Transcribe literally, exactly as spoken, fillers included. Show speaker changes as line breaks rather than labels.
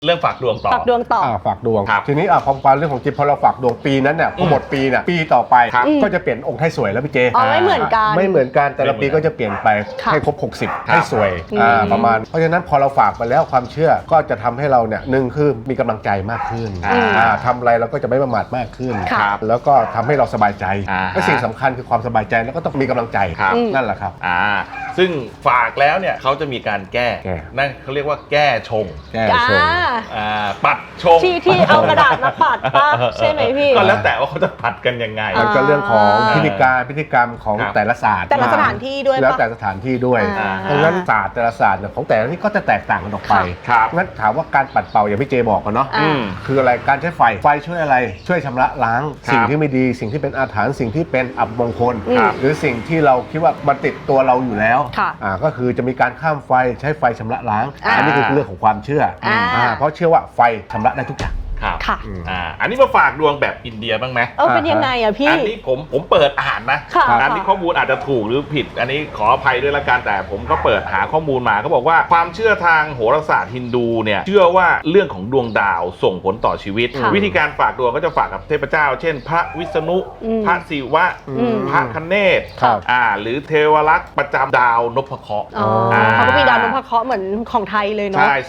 เรื่องฝากดวงต่อ
ฝากดวงต่อ
ฝากดวง
ครับ
ทีนี้อ่ะความความเรื่องของจิตพอเราฝากดวงปีนั้นเนี่ยพอหมดปีเนี่ยปีต่อไป
ครับ
ก็จะเปลี่ยนองค์ไทยสวยแล้วพี่เจ
อ๋อไม่เหมือนกัน
ไม่เหมือนกันแต่ละปี
ไม่เหมือน
ก็จะเปลี่ยนไป
ค่ะ
ให้ครบหกสิบ
ครับ
ให้สวย
อืม
อ่าประมาณเพราะฉะนั้นพอเราฝากไปแล้วความเชื่อก็จะทำให้เราเนี่ยหนึ่งคือมีกำลังใจมากขึ้น
อ่า
อ่าทำอะไรเราก็จะไม่ประมาทมากขึ้น
ครับ
แล้วก็ทำให้เราสบายใจ
อ่า
และสิ่งสำคัญคือความสบายใจแล้วก็ต้องมีกำลังใจ
ครับ
นั่นแหละครับ
อ่าซึ่งฝากแล้วเนี่ยเขาจะมีการแก้
แก้
นั่นเขาเรียกว่าแก้ชง
แก้
อ่า
ชง
อ่าปัดชง
ที่ที่เอากระดาษมาปัดปะใช่ไหมพี่
ก็แล้วแต่ว่าเขาจะปัดกันยังไง
มันก็เรื่องของ
อ่า
พิธีการพิธีกรรมของ
ครับ
แต่ละศาสตร์
แต่ละสถานที่ด้วยปะ
แล้วแต่สถานที่ด้วย
อ่า
เพราะฉะนั้นศาสตร์แต่ละศาสตร์เนี่ยของแต่ละที่ก็จะแตกต่างกันออกไป
ครับ
งั้นถามว่าการปัดเป่าอย่างพี่เจบอกกันเนาะ
อ่า
อืม
คืออะไรการใช้ไฟไฟช่วยอะไรช่วยชำระล้าง
ครับ
สิ่งที่ไม่ดีสิ่งที่เป็นอาถรรพ์สิ่งที่เป็นอับมงคล
ครับ
หรือสิ่งที่เราคิดว่ามันติดตัวเราอยู่แล้ว
ค่ะ
อ่าก็คือจะมีการข้ามไฟใช้ไฟชำระล้าง
อ่า
อันนี้คือเรื่องของความเชื่ออา อ่าเพราะเชื่อว่าไฟชำระได้ทุกอย่าง
ครับ
ค่ะ
อ่าอันนี้มาฝากดวงแบบอินเดียบ้างไหม
เออเป็นยังไงอะพี่
อันนี้ผมผมเปิดอ่านนะ
ค่ะ
อันนี้ข้อมูลอาจจะถูกหรือผิด อันนี้ขออภัยด้วยละกันแต่ผมก็เปิดหาข้อมูลมาเขาบอกว่าความเชื่อทางโหราศาสตร์ฮินดูเนี่ยเชื่อว่าเรื่องของดวงดาวส่งผลต่อชีวิต
ค่ะ
วิธีการฝากดวงก็จะฝากกับเทพเจ้า เช่น พระวิษณุ
อืม
พระศิวะ
อืม
พระคเนศ
ครับ
อ่าหรือเทวรักษ์ประจำดาวนพเคราะห์
อ๋ออา เขาก็มีดาวนพเคราะห์เหมือนของไทยเลยเนาะ
ใช่